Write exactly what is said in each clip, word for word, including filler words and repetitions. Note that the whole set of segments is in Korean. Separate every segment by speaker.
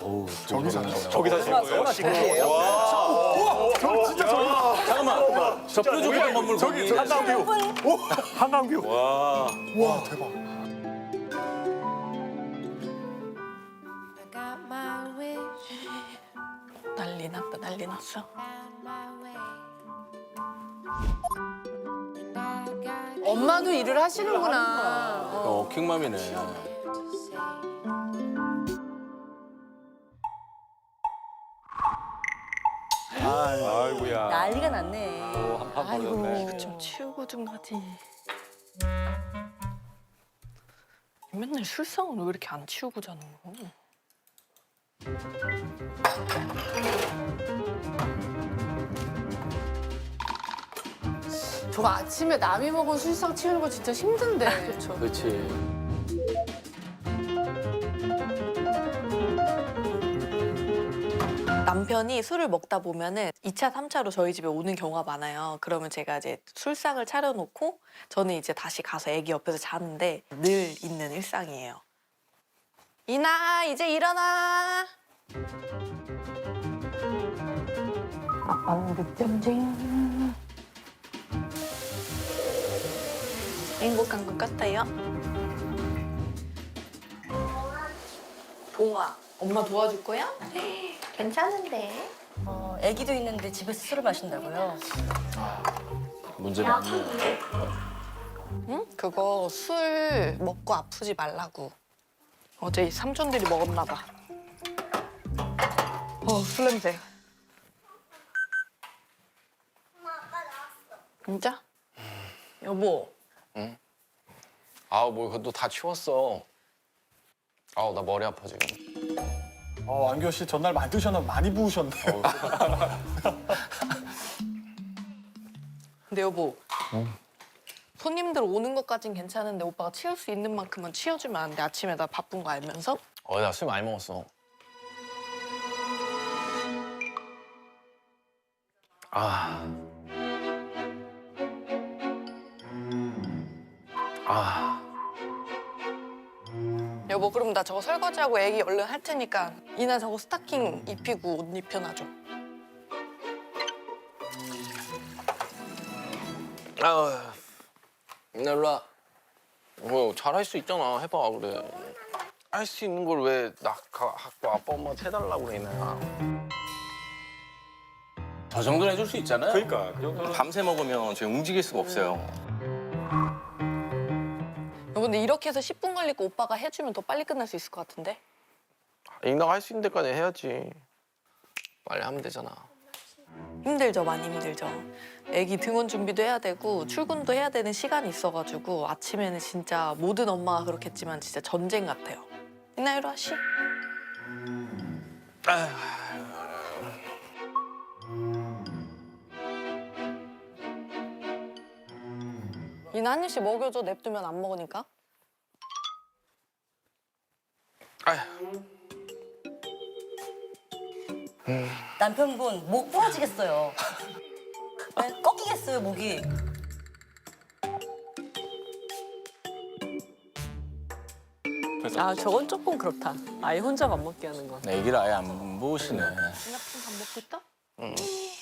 Speaker 1: 어우,
Speaker 2: 저기 사시죠.
Speaker 3: 저기 사시는 거예요?
Speaker 4: 저기예요?
Speaker 2: 저 진짜 저기.
Speaker 1: 잠깐만. 저 뾰족한 건물
Speaker 2: 저기
Speaker 1: 거기.
Speaker 2: 저 한강뷰. 오, 한강뷰.
Speaker 3: 와.
Speaker 2: 와 대박.
Speaker 5: I got my wish,
Speaker 4: 난리 났다, 난리 났어.
Speaker 5: found my way. And I got
Speaker 4: 엄마도 일을 하시는구나.
Speaker 1: 어, 킹맘이네.
Speaker 5: to say.
Speaker 3: 아이고야.
Speaker 6: 난리가 났네.
Speaker 3: 한판 벌어졌네.
Speaker 4: 좀 치우고 좀 하지. 맨날 술상은 왜 이렇게 안 치우고 자는 거? 저거 아침에 남이 먹은 술상 치우는 거 진짜 힘든데. 그렇죠.
Speaker 1: 그렇지.
Speaker 4: 남편이 술을 먹다 보면은 이 차, 삼 차로 저희 집에 오는 경우가 많아요. 그러면 제가 이제 술상을 차려놓고 저는 이제 다시 가서 애기 옆에서 자는데 늘 있는 일상이에요. 이나, 이제 일어나. 아빠는 늦잠쟁. 행복한 것 같아요. 봉아, 엄마 도와줄 거야? 괜찮은데.
Speaker 6: 어, 아기도 있는데 집에서 술을 마신다고요?
Speaker 1: 문제 많네.
Speaker 4: 응? 그거 술 먹고 아프지 말라고. 어제 이 삼촌들이 먹었나 봐. 어, 술 냄새. 엄마, 아빠 나왔어. 진짜? 여보.
Speaker 7: 아우 뭐 그것도 다 치웠어. 아우 나 머리 아파 지금.
Speaker 2: 어, 안교 씨 전날 많이 드셨나 많이 부으셨네.
Speaker 4: 근데 여보. 손님들 오는 것까진 괜찮은데 오빠가 치울 수 있는 만큼만 치워주면 안 돼? 아침에 나 바쁜 거 알면서?
Speaker 7: 어 나 술 많이 먹었어. 아. 아.
Speaker 4: 여보, 그럼 나 저거 설거지하고 애기 얼른 할 테니까 이나 저거 스타킹 입히고 옷 입혀놔줘.
Speaker 7: 아우. 나 일로 와. 뭐 잘할 수 있잖아. 해봐 그래. 할 수 있는 걸 왜 나 갖고 아빠 엄마한테 해달라고 그래 이나야.
Speaker 1: 저 정도는 해줄 수 있잖아요.
Speaker 3: 그러니까 그 정도는.
Speaker 1: 밤새 먹으면 지금 움직일 수가 없어요.
Speaker 4: 여보, 근데 이렇게 해서 십 분 걸리고 오빠가 해주면 더 빨리 끝날 수 있을 것 같은데?
Speaker 7: 이나가 할 수 있는 데까지 해야지. 빨리 하면 되잖아.
Speaker 4: 힘들죠, 많이 힘들죠. 애기 등원 준비도 해야 되고 출근도 해야 되는 시간이 있어가지고 아침에는 진짜 모든 엄마가 그렇겠지만 진짜 전쟁 같아요. 이나 이리 와, 쉬. 이나 한 입씩 먹여줘, 냅두면 안 먹으니까.
Speaker 7: 아휴.
Speaker 6: 남편분 목 부러지겠어요. 네? 꺾이겠어요, 목이.
Speaker 8: 아, 저건 조금 그렇다. 아예 혼자 밥 먹게 하는 건.
Speaker 1: 애기를 아예 안 보시네.
Speaker 4: 이나 밥 먹고 있다?
Speaker 7: 응.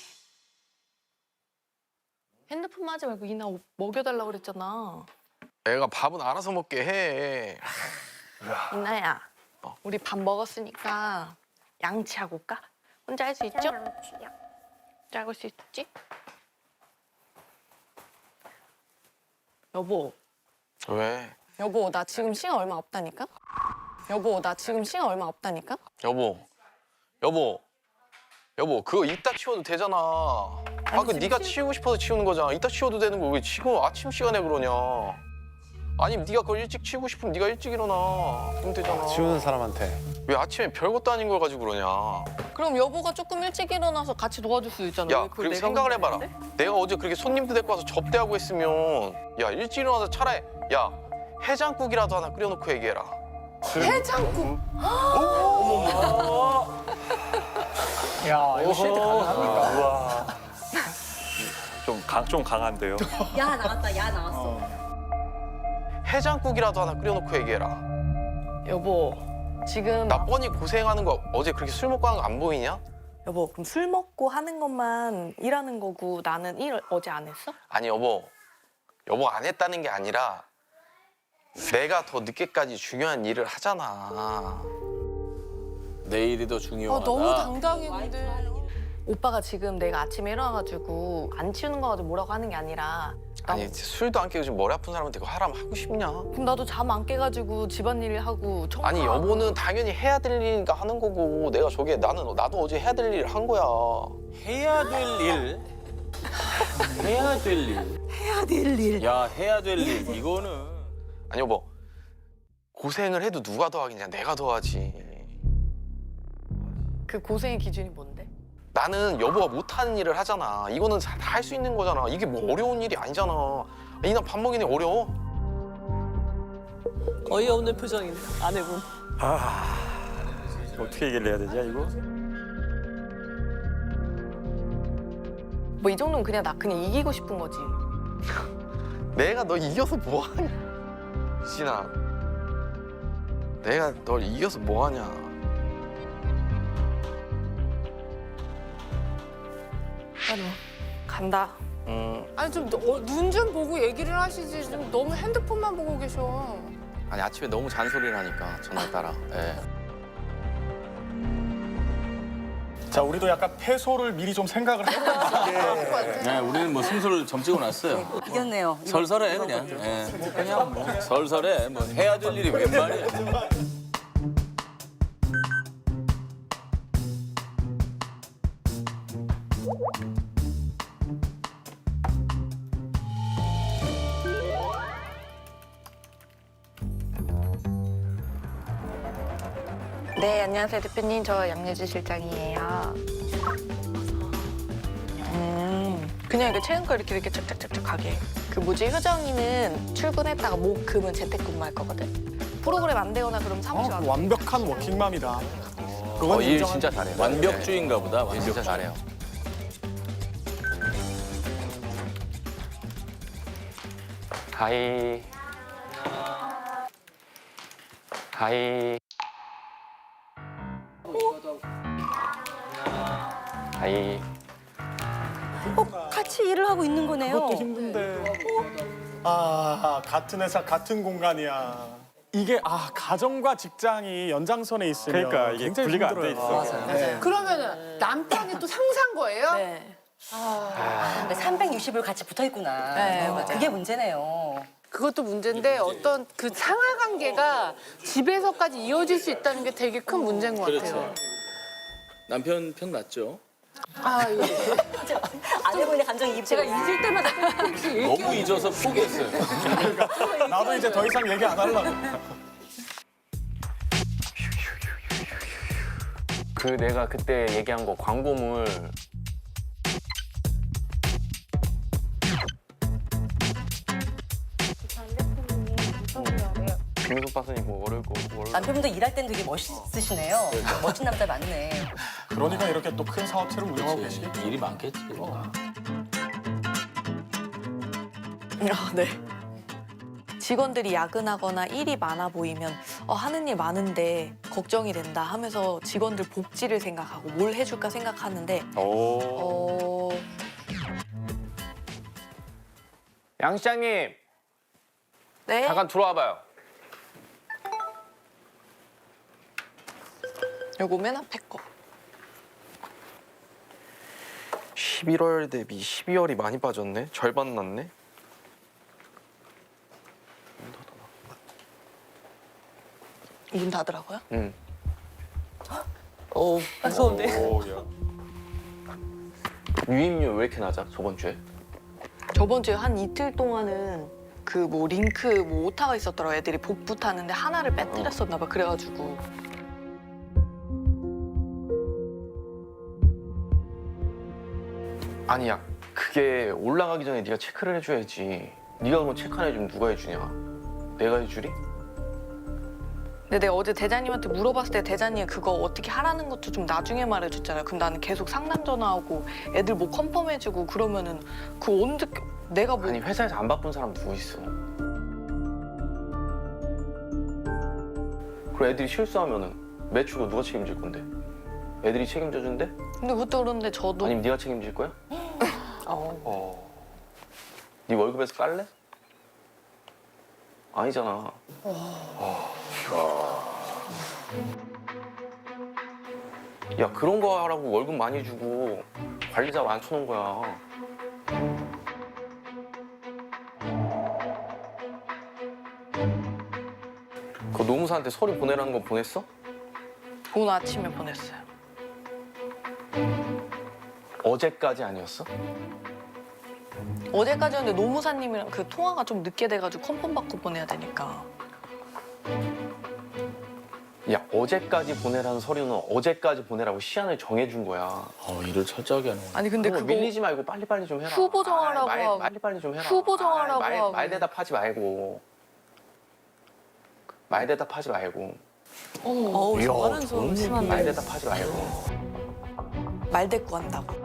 Speaker 4: 핸드폰만 하지 말고 이나 먹여달라고 그랬잖아.
Speaker 7: 애가 밥은 알아서 먹게 해.
Speaker 4: 이나야, 우리 밥 먹었으니까 양치하고 올까? 혼자 할 수 있죠? 혼자 할 수 있지? 여보,
Speaker 7: 왜?
Speaker 4: 여보, 나 지금 시간 얼마 없다니까? 여보, 나 지금 시간 얼마 없다니까?
Speaker 7: 여보, 여보, 여보, 그거 이따 치워도 되잖아. 아, 그 네가 치우고 싶어서 치우는 거잖아. 이따 치워도 되는 거 왜 지금 아침 시간에 그러냐? 아니면 네가 그걸 일찍 치우고 싶으면 네가 일찍 일어나. 그럼 되잖아.
Speaker 2: 치우는 사람한테.
Speaker 7: 왜 아침에 별것도 아닌 걸 가지고 그러냐?
Speaker 4: 그럼 여보가 조금 일찍 일어나서 같이 도와줄 수 있잖아.
Speaker 7: 야,
Speaker 4: 왜 그걸
Speaker 7: 그리고
Speaker 4: 내가
Speaker 7: 생각을
Speaker 4: 혼자
Speaker 7: 해봐라.
Speaker 4: 하는데?
Speaker 7: 내가 어제 그렇게 손님들 데리고 와서 접대하고 했으면 야, 일찍 일어나서 차라리 야, 해장국이라도 하나 끓여놓고 얘기해라.
Speaker 4: 해장국.
Speaker 2: 야, 이거 시한테 가능합니까?
Speaker 3: 우와. 좀, 강, 좀 강한데요.
Speaker 6: 야, 나왔다, 야, 나왔어.
Speaker 7: 해장국이라도 하나 끓여놓고 얘기해라.
Speaker 4: 여보, 지금
Speaker 7: 나 뻔히 고생하는 거 어제 그렇게 술 먹고 하는 거 안 보이냐?
Speaker 4: 여보 그럼 술 먹고 하는 것만 일하는 거고 나는 일 어제 안 했어?
Speaker 7: 아니 여보, 여보 안 했다는 게 아니라 내가 더 늦게까지 중요한 일을 하잖아.
Speaker 1: 내일이 더
Speaker 8: 아,
Speaker 1: 중요하다.
Speaker 8: 너무 당당해 근데.
Speaker 4: 오빠가 지금 내가 아침에 일어나가지고 안 치우는 거 가지고 뭐라고 하는 게 아니라 나-
Speaker 7: 아니 술도 안 깨고 지금 머리 아픈 사람한테 그거 하라면 하고 싶냐?
Speaker 4: 그럼 나도 잠 안 깨가지고 집안일 하고 청소
Speaker 7: 아니 여보는 당연히 해야 될 일이니까 하는 거고 내가 저게 나는 나도 어제 해야 될 일을 한 거야.
Speaker 1: 해야 될 일. 해야 될 일.
Speaker 4: 해야 될 일.
Speaker 1: 야, 해야 될 일. 이거는.
Speaker 7: 아니 여보, 고생을 해도 누가 더 하겠냐? 내가 더 하지.
Speaker 4: 그 고생의 기준이 뭔데?
Speaker 7: 나는 여보가 못하는 일을 하잖아. 이거는 다 할 수 있는 거잖아. 이게 뭐 어려운 일이 아니잖아. 이나 밥 먹이는 게 어려워?
Speaker 8: 어이없는 표정인데 아내분.
Speaker 3: 아 어떻게 얘기를 해야 되지 이거?
Speaker 4: 뭐 이 정도면 그냥 나 그냥 이기고 싶은 거지.
Speaker 7: 내가 너 이겨서 뭐하냐? 유진아, 내가 널 이겨서 뭐하냐?
Speaker 4: 아니 간다.
Speaker 7: 음,
Speaker 9: 아니 좀 눈 좀 보고 얘기를 하시지 좀 너무 핸드폰만 보고 계셔.
Speaker 1: 아니, 아침에 너무 잔소리를 하니까, 전화 따라. 예.
Speaker 2: 자, 우리도 약간 패소를 미리 좀 생각을 해보는 게
Speaker 1: 네, 우리는 뭐 승소를 점찍어 놨어요.
Speaker 6: 이겼네요.
Speaker 1: 설설해, 그냥. 예. 그냥 뭐, 설설해. 뭐, 해야 될 일이 웬 말이야.
Speaker 4: 네 안녕하세요 대표님 저 양예지 실장이에요. 음 그냥 이렇게 채운 거 이렇게 이렇게 착착착착 하게. 그 뭐지 효정이는 출근했다가 목 금은 재택근무할 거거든. 프로그램 안 되거나 그럼 사무실
Speaker 2: 어,
Speaker 4: 와서.
Speaker 2: 완벽한 워킹맘이다. 그건
Speaker 1: 어, 일
Speaker 2: 인정한-
Speaker 1: 진짜 잘해요. 완벽주의인가 보다.
Speaker 7: 일 진짜
Speaker 1: 완벽주의.
Speaker 7: 잘해요. 하이. 하이. 하이.
Speaker 6: 같이 일을 하고 있는 거네요.
Speaker 2: 그것도 힘든데. 아, 같은 회사, 같은 공간이야. 이게 아 가정과 직장이 연장선에 있으면
Speaker 3: 그러니까 이게
Speaker 2: 굉장히
Speaker 3: 분리가 안 돼
Speaker 2: 힘들어요.
Speaker 3: 있어.
Speaker 2: 네.
Speaker 9: 그러면은 남편이 또 상사인 거예요?
Speaker 4: 네.
Speaker 6: 삼백육십일 같이 붙어 있구나.
Speaker 4: 네, 맞아요.
Speaker 6: 그게 문제네요.
Speaker 9: 그것도 문제인데 어떤 그 상하 관계가 집에서까지 이어질 수 있다는 게 되게 큰 문제인 것 같아요.
Speaker 1: 남편 편 맞죠?
Speaker 9: 아 예.
Speaker 6: 아내분의 감정이
Speaker 8: 제가 잊을 때마다 혹시 일
Speaker 1: 너무 잊어서 포기했어요.
Speaker 2: 나도 이제 더 이상 얘기 안 하려고.
Speaker 7: 그 내가 그때 얘기한 거 광고물 김숙 박사님 뭐 월요일 거 월요일
Speaker 6: 남편분도 일할 땐 되게 멋있으시네요. 멋진 남자 많네.
Speaker 2: 그러니까 이렇게 또 큰 사업체를 운영하고 계시겠죠.
Speaker 1: 일이 많겠지.
Speaker 4: 아, 네. 직원들이 야근하거나 일이 많아 보이면 어, 하는 일 많은데 걱정이 된다 하면서 직원들 복지를 생각하고 뭘 해줄까 생각하는데
Speaker 3: 오.
Speaker 4: 어,
Speaker 7: 양 시장님
Speaker 4: 네?
Speaker 7: 잠깐 들어와봐요.
Speaker 4: 요거 맨 앞에 거.
Speaker 7: 십일월 대비 십이월이 많이 빠졌네. 절반 났네.
Speaker 4: 문 닫으라고요?
Speaker 7: 응.
Speaker 8: 어 무서운데.
Speaker 3: 오, 야.
Speaker 7: 유입률 왜 이렇게 낮아? 저번 주에?
Speaker 4: 저번 주에 한 이틀 동안은 그 뭐 링크 뭐 오타가 있었더라고. 애들이 복부 타는데 하나를 빼뜨렸었나 봐. 그래가지고
Speaker 7: 아니야. 그게 올라가기 전에 네가 체크를 해줘야지. 네가 그건 체크 안 해주면 누가 해주냐? 내가 해주리?
Speaker 4: 근데 내가 어제 대장님한테 물어봤을 때 대장님 그거 어떻게 하라는 것도 좀 나중에 말해줬잖아요. 그럼 나는 계속 상담 전화하고 애들 뭐 컨펌해주고 그러면은 그 언제 내가 뭐
Speaker 7: 아니 회사에서 안 바쁜 사람 누구 있어? 그리고 애들이 실수하면은 매출은 누가 책임질 건데? 애들이 책임져 준대?
Speaker 4: 근데 그것도 그런데 저도
Speaker 7: 아니면 네가 책임질 거야?
Speaker 8: 어.
Speaker 7: 어. 네 월급에서 깔래? 아니잖아. 어. 야 그런 거 하라고 월급 많이 주고 관리자 많쳐놓은 거야. 그 노무사한테 서류 보내라는 거 보냈어?
Speaker 4: 오늘 아침에 보냈어요.
Speaker 7: 어제까지 아니었어?
Speaker 4: 어제까지였는데 노무사님이랑 그 통화가 좀 늦게 돼가지고 컨펌 받고 보내야 되니까.
Speaker 7: 야 어제까지 보내라는 서류는 어제까지 보내라고 시한을 정해준 거야.
Speaker 1: 어, 일을 철저하게 하는
Speaker 4: 아니 근데
Speaker 7: 그거
Speaker 4: 그거
Speaker 7: 밀리지 말고 빨리빨리 좀 해라.
Speaker 4: 후보 정하라고
Speaker 7: 아이, 말,
Speaker 4: 하고.
Speaker 7: 빨리빨리 좀 해라.
Speaker 4: 후보 정하라고
Speaker 7: 아이, 말,
Speaker 4: 하고.
Speaker 7: 말 대답하지 말고. 말 대답하지 말고.
Speaker 8: 어우, 저하는 소음
Speaker 7: 말
Speaker 8: 심한데.
Speaker 7: 대답하지 말고.
Speaker 4: 말대꾸 한다고.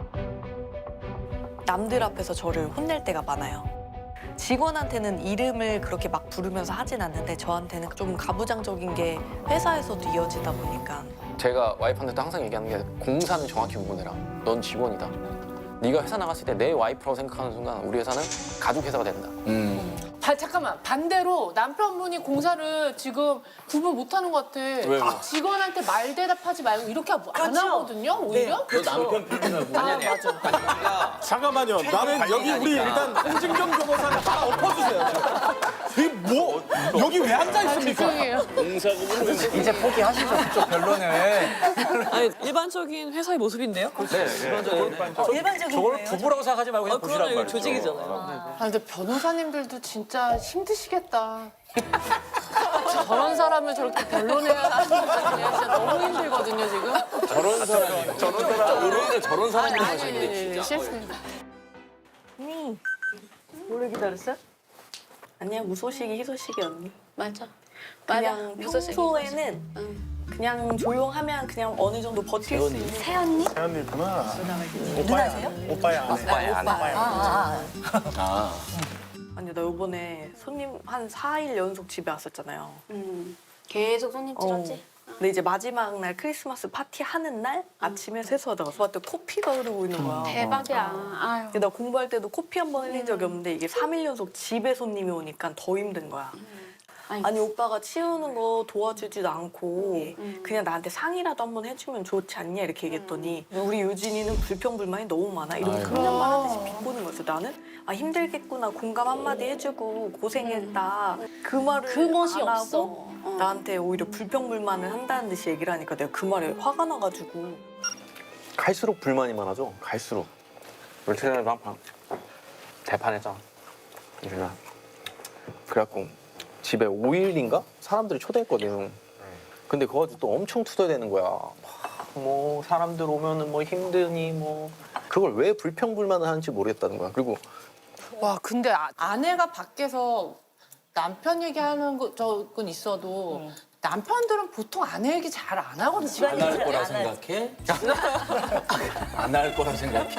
Speaker 4: 남들 앞에서 저를 혼낼 때가 많아요. 직원한테는 이름을 그렇게 막 부르면서 하진 않는데 저한테는 좀 가부장적인 게 회사에서도 이어지다 보니까
Speaker 7: 제가 와이프한테도 항상 얘기하는 게 공사는 정확히 구분해라. 넌 직원이다. 네가 회사 나갔을 때 내 와이프라고 생각하는 순간 우리 회사는 가족 회사가 된다.
Speaker 1: 음.
Speaker 9: 바, 잠깐만 반대로 남편분이 공사를 지금 구분 못하는 것 같아.
Speaker 1: 왜?
Speaker 9: 직원한테 말 대답하지 말고 이렇게 안
Speaker 6: 그렇죠.
Speaker 9: 하거든요. 오히려.
Speaker 1: 너 남편 편이라고.
Speaker 9: 아 맞아.
Speaker 2: 잠깐만요. 나는 여기 우리 일단 홍진경 변호사를 하나 엎어주세요. 이게 뭐 여기 왜 앉아 있습니까?
Speaker 9: 죄송해요.
Speaker 10: 이제 포기하시죠. 그쪽 별로네.
Speaker 8: 아니, 일반적인 회사의 모습인데요?
Speaker 7: 네.
Speaker 6: 일반적인
Speaker 10: 저걸
Speaker 6: 거예요.
Speaker 10: 부부라고 생각하지 말고
Speaker 8: 어,
Speaker 10: 그냥 보시란
Speaker 8: 그러네.
Speaker 10: 말이죠.
Speaker 8: 조직이잖아요.
Speaker 9: 아 근데 변호사님들도 진짜 힘드시겠다. 저런 사람을 저렇게 변론해야 하는 거 진짜 너무 힘들거든요 지금.
Speaker 1: 저런 사람이. 저런 사람. 의뢰인을 저런 사람이
Speaker 9: 아니
Speaker 1: 하시는데
Speaker 9: 아니
Speaker 1: 진짜.
Speaker 9: 실수입니다.
Speaker 4: 오래 기다렸어요? 아니야 무소식이 희소식이 언니.
Speaker 6: 맞아.
Speaker 4: 그냥
Speaker 6: 맞아. 무슨
Speaker 4: 평소에는 그냥 조용하면 그냥 어느 정도 버틸 수 있는
Speaker 6: 새언니?
Speaker 2: 태연이구나.
Speaker 6: 누나세요?
Speaker 2: 오빠의 아내.
Speaker 7: 오빠의 아내.
Speaker 6: 아, 아,
Speaker 1: 아.
Speaker 4: 아니 나 요번에 손님 한 사 일 연속 집에 왔었잖아요.
Speaker 6: 아. 음. 계속 손님 찔렀지?
Speaker 4: 근데 이제 마지막 날 크리스마스 파티 하는 날 아침에 세수하다가 봤더니 코피가 흐르고 있는 거야.
Speaker 6: 대박이야. 아유.
Speaker 4: 근데 나 공부할 때도 코피 한 번 흘린 적이 없는데 이게 삼 일 연속 집에 손님이 오니까 더 힘든 거야.
Speaker 6: 아이고.
Speaker 4: 아니 오빠가 치우는 거 도와주지도 않고
Speaker 6: 음.
Speaker 4: 그냥 나한테 상의라도 한번 해주면 좋지 않냐 이렇게 얘기했더니 우리 유진이는 불평불만이 너무 많아 이러고
Speaker 1: 아이고.
Speaker 4: 그냥만 하듯이 비꼬는 거였어. 나는 아 힘들겠구나 공감 한마디 해주고 고생했다 그 말을
Speaker 6: 그 멋이
Speaker 4: 안
Speaker 6: 없어.
Speaker 4: 하고
Speaker 6: 어.
Speaker 4: 나한테 오히려 불평불만을 한다는 듯이 얘기를 하니까 내가 그 말에 화가 나가지고
Speaker 7: 갈수록 불만이 많아져. 갈수록. 며칠 전에도 한판 대판했잖아. 유진아. 그래갖고 집에 오 일인가 사람들이 초대했거든. 근데 그거 가지고 또 엄청 투덜대는 거야. 뭐 사람들 오면은 뭐 힘드니 뭐 그걸 왜 불평불만을 하는지 모르겠다는 거야. 그리고
Speaker 9: 와 근데 아, 아내가 밖에서 남편 얘기하는 거 적은 있어도 남편들은 보통 아내 얘기 잘 안 하거든요.
Speaker 1: 안 할 거라 생각해? 안 할 거라 생각해?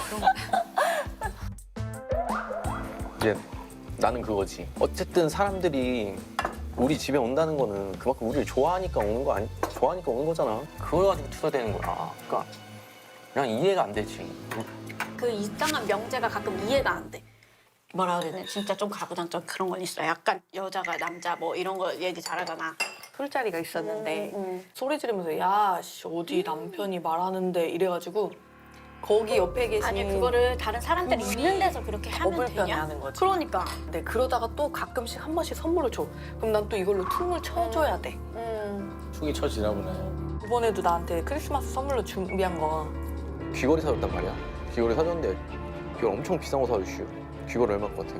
Speaker 7: 이제 나는 그거지. 어쨌든 사람들이 우리 집에 온다는 거는 그만큼 우리를 좋아하니까 오는 거 아니? 좋아하니까 오는 거잖아. 그걸 가지고 투덜대는 거야. 그러니까 그냥 이해가 안 되지.
Speaker 6: 그 이상한 명제가 가끔 이해가 안 돼. 뭐라 그래야 되나? 진짜 좀 가부장적 그런 건 있어. 약간 여자가 남자 뭐 이런 거 얘기 잘하잖아.
Speaker 4: 술자리가 있었는데
Speaker 6: 음,
Speaker 4: 소리 지르면서 야 씨, 어디 남편이 말하는데 이래가지고 거기 옆에 계신
Speaker 6: 아니 그거를 다른 사람들이 있는 데서 그렇게
Speaker 4: 더
Speaker 6: 하면 되냐?
Speaker 4: 불편해하는 거지.
Speaker 6: 그러니까.
Speaker 4: 네, 그러다가 또 가끔씩 한 번씩 선물을 줘. 그럼 난 또 이걸로 퉁을 쳐줘야 돼.
Speaker 6: 음.
Speaker 1: 축이 쳐지나 보네.
Speaker 4: 이번에도 나한테 크리스마스 선물로 준비한 거
Speaker 7: 귀걸이 사줬단 말이야. 귀걸이 사줬는데 귀걸이 엄청 비싼 거 사줬슈. 귀걸이 얼마 것 같아?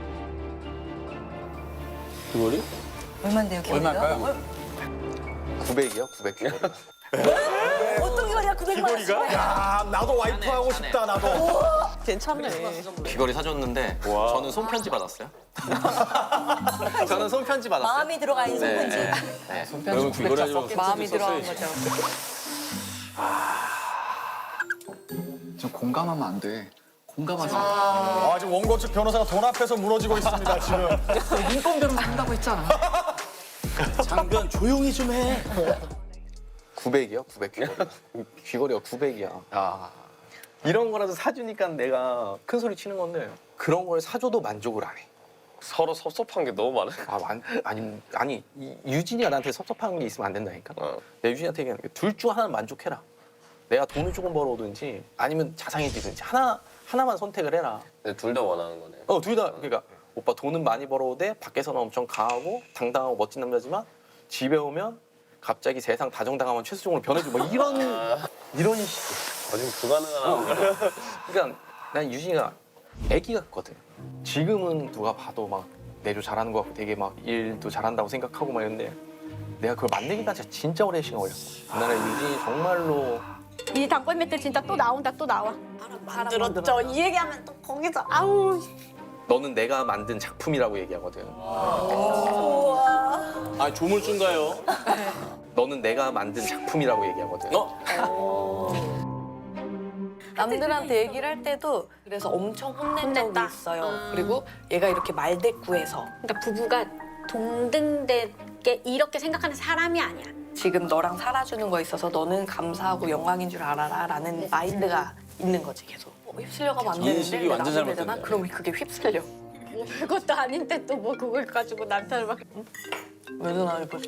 Speaker 1: 귀걸이?
Speaker 6: 얼마인데요, 기분이가?
Speaker 10: 얼마일까요?
Speaker 7: 구백이야, 구백 귀걸이.
Speaker 6: 어떤 거냐, 구백만 원.
Speaker 2: 야 나도 와이프 하고 싶다 나도.
Speaker 8: 괜찮네.
Speaker 7: 귀걸이 사줬는데 저는 손편지 받았어요. 저는 손편지 받았어요.
Speaker 6: 마음이 들어가 있는
Speaker 7: 네,
Speaker 6: 손편지.
Speaker 7: 네.
Speaker 1: 그러면 귀걸이 하려고
Speaker 4: 마음이
Speaker 1: 손편지
Speaker 4: 들어간
Speaker 1: 썼어야지.
Speaker 4: 거죠.
Speaker 10: 좀 공감하면 안 돼. 공감하지 마.
Speaker 2: 아 지금 원고 측 변호사가 돈 앞에서 무너지고 있습니다 지금.
Speaker 10: 인건비로 한다고 했잖아.
Speaker 1: 장변 조용히 좀 해.
Speaker 7: 구백이요? 구백 귀걸이. 귀걸이가 구백이야. 아. 이런 거라도 사주니까 내가 큰 소리 치는 건데 그런 걸 사줘도 만족을 안 해.
Speaker 3: 서로 섭섭한 게 너무 많아.
Speaker 7: 아, 만, 아니, 아니 이, 유진이가 나한테 섭섭한 게 있으면 안 된다니까.
Speaker 3: 어.
Speaker 7: 내가 유진이한테 얘기하는 게 둘 중 하나는 만족해라. 내가 돈을 조금 벌어오든지 아니면 자상해지든지 하나, 하나만 선택을 해라.
Speaker 3: 둘 다 원하는 거네.
Speaker 7: 어, 둘 다. 그러니까 오빠 돈은 많이 벌어오되 밖에서는 엄청 강하고 당당하고 멋진 남자지만 집에 오면 갑자기 세상 다정당하면 최수종으로 변해주고 뭐 이런 이런 식.
Speaker 3: 거짓 불가능한.
Speaker 7: 그러니까 난 유진이가 애기 같거든. 지금은 누가 봐도 막 내조 잘하는 것 같고 되게 막 일도 잘한다고 생각하고 막 이런데 내가 그걸 만들기까지 진짜 오랜 시간 걸렸어. 그날에 유진이 정말로
Speaker 6: 이 단골 맷들 진짜 또 나온다 또 나와. 만들었죠. 이 얘기하면 또 거기서 아우.
Speaker 7: 너는 내가 만든 작품이라고 얘기하거든.
Speaker 1: 아 조물주인가요?
Speaker 7: 너는 내가 만든 작품이라고 얘기하거든.
Speaker 1: 어?
Speaker 4: 남들한테 얘기를 할 때도 그래서 엄청 혼낸 적이
Speaker 6: 혼냈다.
Speaker 4: 있어요.
Speaker 6: 음.
Speaker 4: 그리고 얘가 이렇게 말대꾸해서
Speaker 6: 그러니까 부부가 동등되게 이렇게 생각하는 사람이 아니야.
Speaker 4: 지금 너랑 살아주는 거 있어서 너는 감사하고 영광인 줄 알아라 라는 마인드가 있는 거지 계속. 어, 휩쓸려가면 안 되는데
Speaker 1: 인식이
Speaker 4: 내
Speaker 1: 완전
Speaker 4: 남편 되잖아?
Speaker 1: 잘못됐네.
Speaker 4: 그러면 그게 휩쓸려.
Speaker 6: 뭐 별것도 아닌데 또 뭐 그걸 가지고 남편을 막.
Speaker 4: 왜 전화를 보지?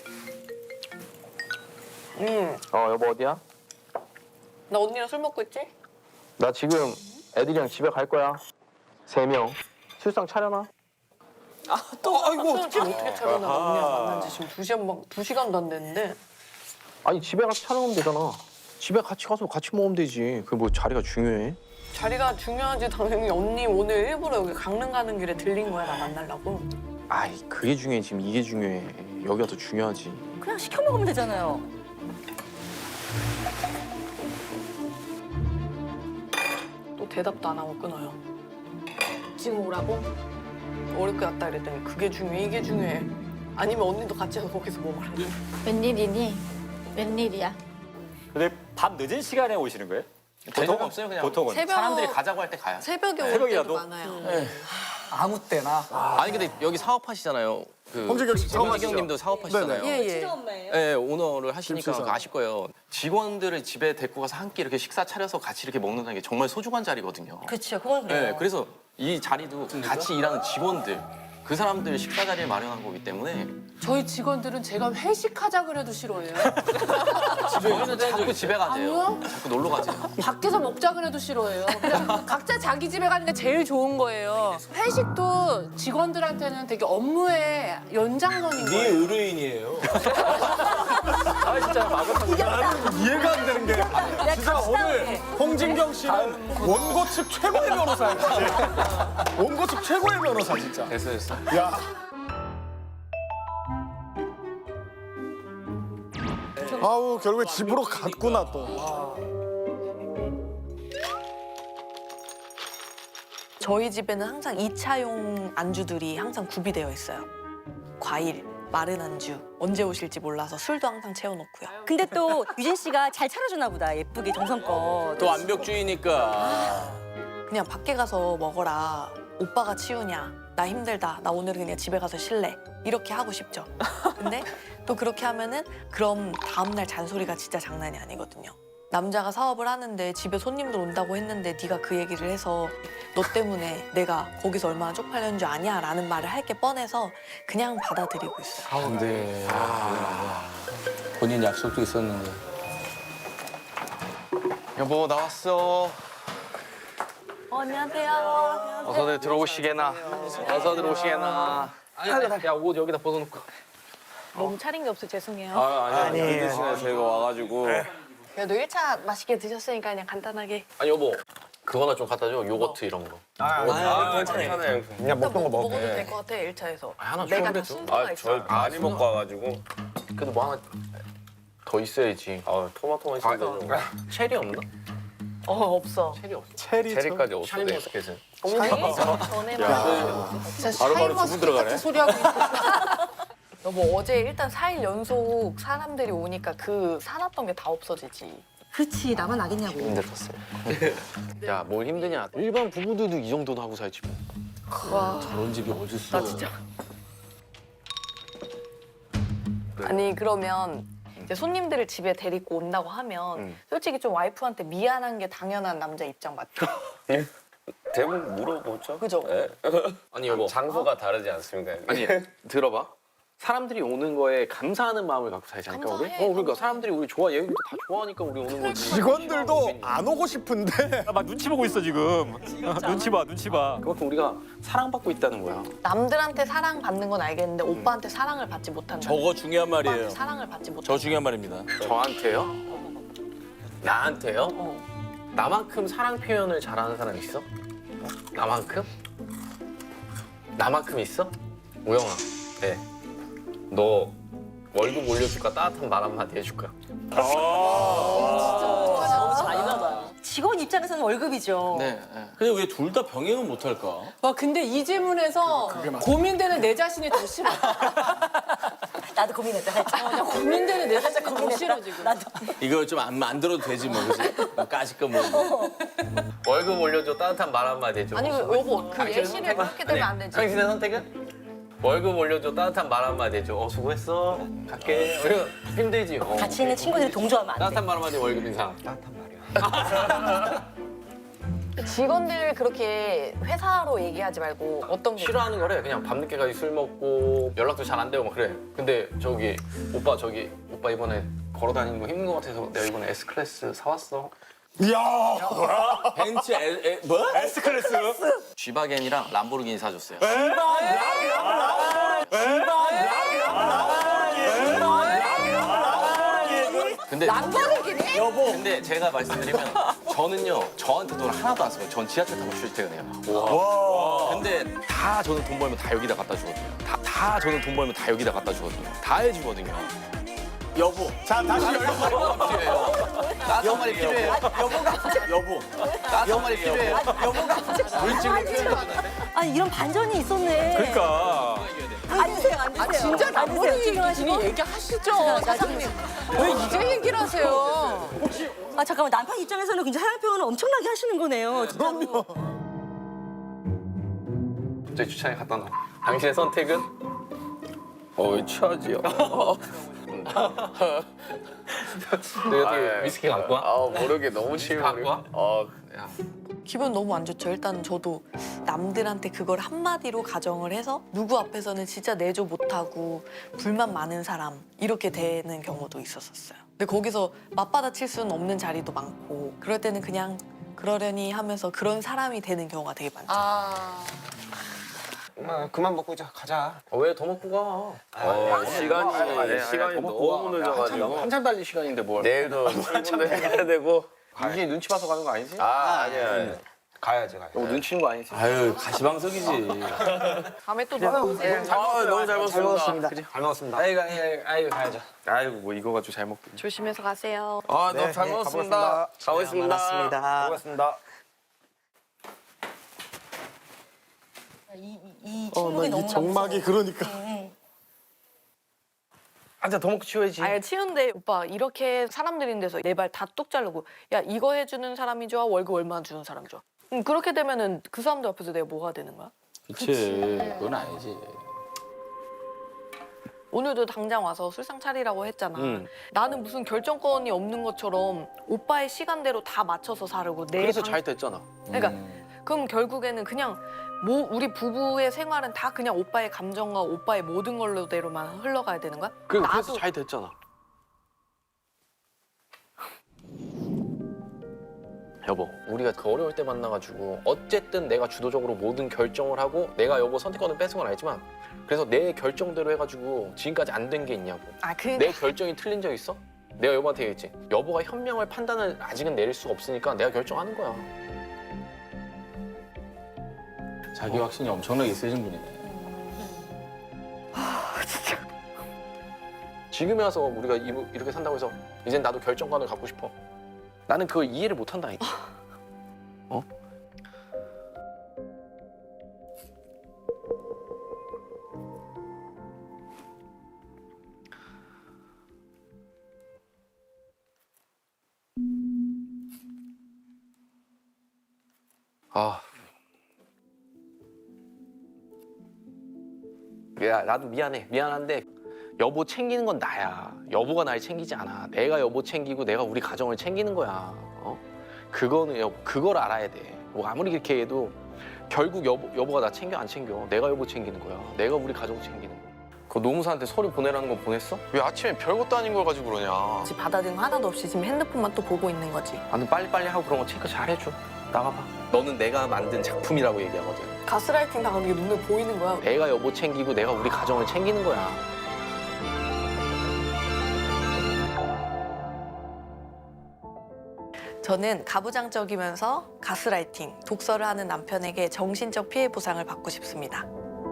Speaker 4: 음,
Speaker 7: 어 여보 어디야?
Speaker 4: 나 언니랑 술 먹고 있지?
Speaker 7: 나 지금 애들이랑 집에 갈 거야. 세 명. 술상 차려놔.
Speaker 4: 또 아이고 어떻게 어떻게 차려나 언니랑 만난 지 지금 두 시간 막 두 시간도 안 됐는데.
Speaker 7: 아니 집에 가서 차려놓으면 되잖아. 집에 같이 가서 같이 먹으면 되지. 그게 뭐 자리가 중요해?
Speaker 4: 자리가 중요하지 당연히. 언니 오늘 일부러 여기 강릉 가는 길에 들린 거야 나 만나려고.
Speaker 7: 아이 그게 중요해. 지금 이게 중요해. 여기가 더 중요하지.
Speaker 8: 그냥 시켜 먹으면 되잖아요.
Speaker 4: 또 대답도 안 하고 끊어요.
Speaker 6: 지금 오라고?
Speaker 4: 어렵게 왔다 그랬더니 그게 중요해 이게 중요해. 아니면 언니도 같이 해서 거기서 뭐 말하지?
Speaker 6: 웬일이니? 웬일이야?
Speaker 3: 근데 밤 늦은 시간에 오시는 거예요?
Speaker 7: 대답 없어요 그냥.
Speaker 3: 보통은.
Speaker 4: 새벽
Speaker 7: 사람들이 가자고 할 때 가요.
Speaker 4: 새벽에 올
Speaker 3: 새벽이라도?
Speaker 4: 때도 많아요.
Speaker 10: 아무 때나.
Speaker 7: 아니 근데 여기 사업하시잖아요. 그
Speaker 2: 홍진경 씨 사업하시죠?
Speaker 7: 홍진경님도 사업하시잖아요.
Speaker 4: 예예.
Speaker 7: 네, 오너를 하시니까
Speaker 2: 김수사.
Speaker 7: 그거 아실 거예요. 직원들을 집에 데리고 가서 한 끼 이렇게 식사 차려서 같이 이렇게 먹는다는 게 정말 소중한 자리거든요.
Speaker 8: 그렇죠. 그건 그래요.
Speaker 7: 네, 그래서 이 자리도 같이 일하는 직원들, 그 사람들 식사 자리를 마련한 거기 때문에
Speaker 9: 저희 직원들은 제가 회식하자 그래도 싫어해요.
Speaker 7: 저희는 자꾸 집에 가세요.
Speaker 9: 아니요?
Speaker 7: 자꾸 놀러 가세요.
Speaker 9: 밖에서 먹자 그래도 싫어해요. 그냥 각자 자기 집에 가는 게 제일 좋은 거예요. 회식도 직원들한테는 되게 업무의 연장선인
Speaker 1: 네
Speaker 9: 거예요.
Speaker 1: 의뢰인이에요.
Speaker 3: 아 진짜 마구잡이.
Speaker 2: 이해가 안 되는 게 진짜 오늘 홍진경 씨는 원고 측 최고의 변호사야. 진짜. 원고 측 최고의 변호사 진짜.
Speaker 7: 됐어 됐어.
Speaker 2: 야. 아우 결국에 집으로 갔구나 또.
Speaker 4: 저희 집에는 항상 이 차용 안주들이 항상 구비되어 있어요. 과일, 마른 안주, 언제 오실지 몰라서 술도 항상 채워놓고요.
Speaker 8: 근데 또 유진 씨가 잘 차려주나 보다. 예쁘게 정성껏.
Speaker 1: 또 완벽주의니까.
Speaker 4: 그냥 밖에 가서 먹어라. 오빠가 치우냐. 나 힘들다. 나 오늘은 그냥 집에 가서 쉴래. 이렇게 하고 싶죠. 근데 또 그렇게 하면은 그럼 다음날 잔소리가 진짜 장난이 아니거든요. 남자가 사업을 하는데 집에 손님들 온다고 했는데 네가 그 얘기를 해서 너 때문에 내가 거기서 얼마나 쪽팔렸는 줄 아냐? 라는 말을 할 게 뻔해서 그냥 받아들이고 있어요.
Speaker 1: 근데 아, 본인 약속도 있었는데.
Speaker 7: 여보 나왔어.
Speaker 4: 어, 안녕하세요.
Speaker 7: 어서들 들어오시게나. 어서 들어오시게나. 야 옷 여기다 벗어놓고.
Speaker 4: 너무 차린 게 없어 죄송해요.
Speaker 1: 아 아니 아니 늦은 시간에 저희가 와가지고.
Speaker 4: 그래도 일 차 맛있게 드셨으니까 그냥 간단하게.
Speaker 7: 아니 여보 그거나 좀 갖다 줘. 요거트 이런 거.
Speaker 1: 아 괜찮아요.
Speaker 10: 그냥 먹던 거
Speaker 4: 먹어도
Speaker 10: 먹게.
Speaker 4: 될 것 같아 일 차에서.
Speaker 7: 아, 하나
Speaker 4: 내가
Speaker 7: 줘,
Speaker 4: 다
Speaker 7: 그래도.
Speaker 4: 순서가 있어.
Speaker 3: 많이 먹고 와가지고.
Speaker 7: 그래도 뭐 하나 더 있어야지.
Speaker 3: 아 토마토만 있으면 되죠.
Speaker 7: 체리 없나?
Speaker 4: 어 없어.
Speaker 7: 체리 없어.
Speaker 2: 체리 참.
Speaker 3: 체리까지 없어.
Speaker 7: 샤인머스켓은.
Speaker 4: 언니 전에만.
Speaker 9: 진짜
Speaker 1: 바로바로
Speaker 9: 샤인머스켓
Speaker 1: 주문 들어가네.
Speaker 9: 같은 소리 하고 있어.
Speaker 4: 여보 어제 일단 사 일 연속 사람들이 오니까 그 사놨던 게 다 없어지지.
Speaker 8: 그렇지. 나만 알겠냐고.
Speaker 7: 힘들었어요. 야 뭘 힘드냐. 일반 부부들도 이 정도는 하고 살지 뭐.
Speaker 4: 와.
Speaker 1: 저런 집이 어딨어.
Speaker 4: 나 진짜. 아니 그러면 이제 손님들을 집에 데리고 온다고 하면
Speaker 7: 음.
Speaker 4: 솔직히 좀 와이프한테 미안한 게 당연한 남자 입장 맞죠?
Speaker 11: 대부분 물어보죠.
Speaker 4: 그죠?
Speaker 11: 예.
Speaker 7: 아니 여보.
Speaker 11: 장소가 다르지 않습니까?
Speaker 7: 아니 들어봐. 사람들이 오는 거에 감사하는 마음을 갖고 살지 않을까 우리?
Speaker 4: 감사해,
Speaker 7: 어 그러니까
Speaker 4: 감사해.
Speaker 7: 사람들이 우리 좋아 얘기도 다 좋아하니까 우리 오는 거지.
Speaker 2: 직원들도 안 오고 싶은데
Speaker 3: 아, 막 눈치 보고 있어 지금. 눈치 봐, 눈치 봐.
Speaker 7: 그만큼 우리가 사랑받고 있다는 거야.
Speaker 4: 남들한테 사랑 받는 건 알겠는데 오빠한테 사랑을 받지 못한다.
Speaker 1: 저거 중요한 말이에요.
Speaker 4: 오빠한테 사랑을 받지 못한다.
Speaker 1: 저 중요한 말입니다.
Speaker 7: 저한테요? 나한테요?
Speaker 4: 어.
Speaker 7: 나만큼 사랑 표현을 잘하는 사람 있어? 나만큼? 나만큼 있어? 우영아, 네. 너 월급 올려줄까? 따뜻한 말 한마디 해줄까?
Speaker 8: 너무 잔인하다.
Speaker 12: 직원 입장에서는 월급이죠.
Speaker 7: 네.
Speaker 1: 근데 왜 둘 다 병행은 못할까?
Speaker 9: 와 근데 이 질문에서 고민되는 내 자신이 더 싫어.
Speaker 12: 나도 고민했다 살짝.
Speaker 9: 어, 나 고민되는 내 자신이 더 싫어 지금.
Speaker 12: 나도.
Speaker 1: 이거 좀 안 만들어도 되지 뭐, 그지? 뭐 까짓 거 뭐.
Speaker 7: 월급 올려줘. 따뜻한 말 한마디 해줘.
Speaker 4: 아니 여보 그 예시를 그렇게 되면 안 되지.
Speaker 7: 당신의 선택은? 월급 올려줘. 따뜻한 말 한마디 해줘. 어 수고했어. 갈게. 우리가 힘들지. 어.
Speaker 12: 같이 있는 친구들이 동조하면 안 돼.
Speaker 7: 따뜻한 말 한마디 월급 인상.
Speaker 4: 직원들 그렇게 회사로 얘기하지 말고 어떤 게
Speaker 7: 싫어하는 거래. 그냥 밤늦게까지 술 먹고 연락도 잘 안 되고 막 그래. 근데 저기 오빠 저기 오빠 이번에 걸어 다니는 거 힘든 거 같아서 내가 이번에 S 클래스 사왔어.
Speaker 2: 이야
Speaker 1: 벤츠 에, 에, 뭐?
Speaker 3: S클래스.
Speaker 7: 쥐바겐이랑 람보르기니 사줬어요. 근데 여보. 근데 제가 말씀드리면 저는요 저한테 돈 하나도 안 써요. 전 지하철 타고 출퇴근해요. 와. 근데 다 저는 돈 벌면 다 여기다 갖다 주거든요. 다, 다 저는 돈 벌면 다 여기다 갖다 주거든요. 다 해주거든요.
Speaker 1: 여보.
Speaker 2: 자 다시 열고
Speaker 7: 따뜻한 말이 필요해요.
Speaker 1: 여보.
Speaker 7: 따뜻한 말이 필요해요. 물질로 표현해주는데.
Speaker 12: 아 이런 반전이 있었네.
Speaker 3: 그러니까.
Speaker 12: 앉으세요, 앉으세요.
Speaker 9: 아 진짜 남보는
Speaker 12: 앉으세요,
Speaker 9: 얘기 얘기하시죠
Speaker 12: 자,
Speaker 9: 사장님. 왜 이제 얘기를 하세요?
Speaker 12: 아 잠깐만 남편 입장에서는 굉장히 사랑 표현을 엄청나게 하시는 거네요. 그럼요.
Speaker 7: 저희 주차장에 갖다 놔. 당신의 선택은?
Speaker 11: 어, 취하지요.
Speaker 7: 내가 어떻게 위스키 갖고 와?
Speaker 11: 아, 모르게 너무 취해.
Speaker 7: 갖고 와?
Speaker 11: 어,
Speaker 7: 야.
Speaker 4: 기분 너무 안 좋죠. 일단 저도 남들한테 그걸 한마디로 가정을 해서 누구 앞에서는 진짜 내조 못하고 불만 많은 사람 이렇게 되는 경우도 있었었어요. 근데 거기서 맞받아칠 수는 없는 자리도 많고 그럴 때는 그냥 그러려니 하면서 그런 사람이 되는 경우가 되게 많죠.
Speaker 9: 아
Speaker 11: 엄마, 그만 먹고 이제 가자.
Speaker 7: 어, 왜 더 먹고 가?
Speaker 11: 어, 시간이,
Speaker 7: 아니,
Speaker 11: 시간이 너무 늦어가지고.
Speaker 7: 한참 달릴 시간인데 뭘.
Speaker 11: 내일도 출근도 해야 되고.
Speaker 7: 이게 눈치 봐서 가는 거 아니지?
Speaker 11: 아, 아니야. 아니야. 가야지, 가야지.
Speaker 7: 너 눈치는 거 아니지?
Speaker 1: 아유, 가시방석이지.
Speaker 4: 다음에 또 놀아오세요.
Speaker 11: 아, 너무 잘 먹었습니다.
Speaker 7: 잘 먹었습니다. 아이고, 아이고, 아이고, 가야죠.
Speaker 3: 아이고 뭐 이거 가지고 잘 먹고.
Speaker 4: 조심해서 가세요.
Speaker 11: 아, 너무 잘 먹었습니다. 가보겠습니다.
Speaker 10: 고맙습니다.
Speaker 12: 이, 이
Speaker 2: 어,
Speaker 12: 침묵이
Speaker 2: 나
Speaker 12: 너무
Speaker 2: 이 정막이 그러니까
Speaker 7: 앉아, 더 먹고 치워야지.
Speaker 4: 아예 치운데 오빠 이렇게 사람들 있는 데서 내 발 다 뚝 자르고 야 이거 해주는 사람이 좋아 월급 얼마 주는 사람이 좋아. 음, 그렇게 되면은 그 사람들 앞에서 내가 뭐가 되는 거야?
Speaker 1: 그치. 그건 아니지.
Speaker 4: 오늘도 당장 와서 술상 차리라고 했잖아.
Speaker 7: 음.
Speaker 4: 나는 무슨 결정권이 없는 것처럼 오빠의 시간대로 다 맞춰서 사려고 내
Speaker 7: 그래서
Speaker 4: 방-
Speaker 7: 잘 됐잖아.
Speaker 4: 그러니까
Speaker 1: 음.
Speaker 4: 그럼 결국에는 그냥 뭐 우리 부부의 생활은 다 그냥 오빠의 감정과 오빠의 모든 걸로대로만 흘러가야 되는 거야?
Speaker 7: 그,
Speaker 4: 나도
Speaker 7: 그래서 잘 됐잖아. 여보, 우리가 그 어려울 때 만나가지고 어쨌든 내가 주도적으로 모든 결정을 하고 내가 여보 선택권을 뺏은 건 알지만 그래서 내 결정대로 해가지고 지금까지 안 된 게 있냐고.
Speaker 4: 아 그
Speaker 7: 내 결정이 틀린 적 있어? 내가 여보한테 얘기했지. 여보가 현명할 판단을 아직은 내릴 수가 없으니까 내가 결정하는 거야.
Speaker 1: 자기 확신이 엄청나게 있으신 분이네.
Speaker 7: 지금에 와서 우리가 이- 이렇게 산다고 해서 이젠 나도 결정권을 갖고 싶어. 나는 그걸 이해를 못 한다니까. 어? 아. 야, 나도 미안해. 미안한데 여보 챙기는 건 나야. 여보가 날 챙기지 않아. 내가 여보 챙기고 내가 우리 가정을 챙기는 거야. 어? 그거는 여보, 그걸 알아야 돼. 뭐 아무리 그렇게 해도 결국 여보, 여보가 나 챙겨 안 챙겨. 내가 여보 챙기는 거야. 내가 우리 가정 챙기는 거야. 그 노무사한테 서류 보내라는 거 보냈어? 왜 아침에 별것도 아닌 걸 가지고 그러냐.
Speaker 4: 지금 받아들인 거 하나도 없이 지금 핸드폰만 또 보고 있는 거지.
Speaker 7: 아, 너 빨리빨리 하고 그런 거 체크 잘 해줘. 나가봐. 너는 내가 만든 작품이라고 얘기하거든.
Speaker 4: 가스라이팅 당하는 게 눈에 보이는 거야.
Speaker 7: 내가 여보 챙기고 내가 우리 가정을 챙기는 거야.
Speaker 4: 저는 가부장적이면서 가스라이팅, 독서를 하는 남편에게 정신적 피해 보상을 받고 싶습니다.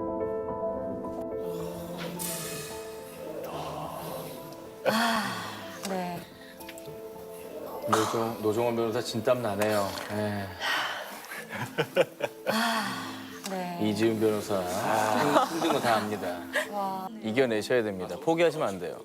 Speaker 12: 네.
Speaker 1: 노종, 노종원 변호사 진땀 나네요. 에.
Speaker 12: 네.
Speaker 1: 이지훈 변호사 힘든 거 다 압니다. 이겨내셔야 됩니다. 포기하시면 안 돼요.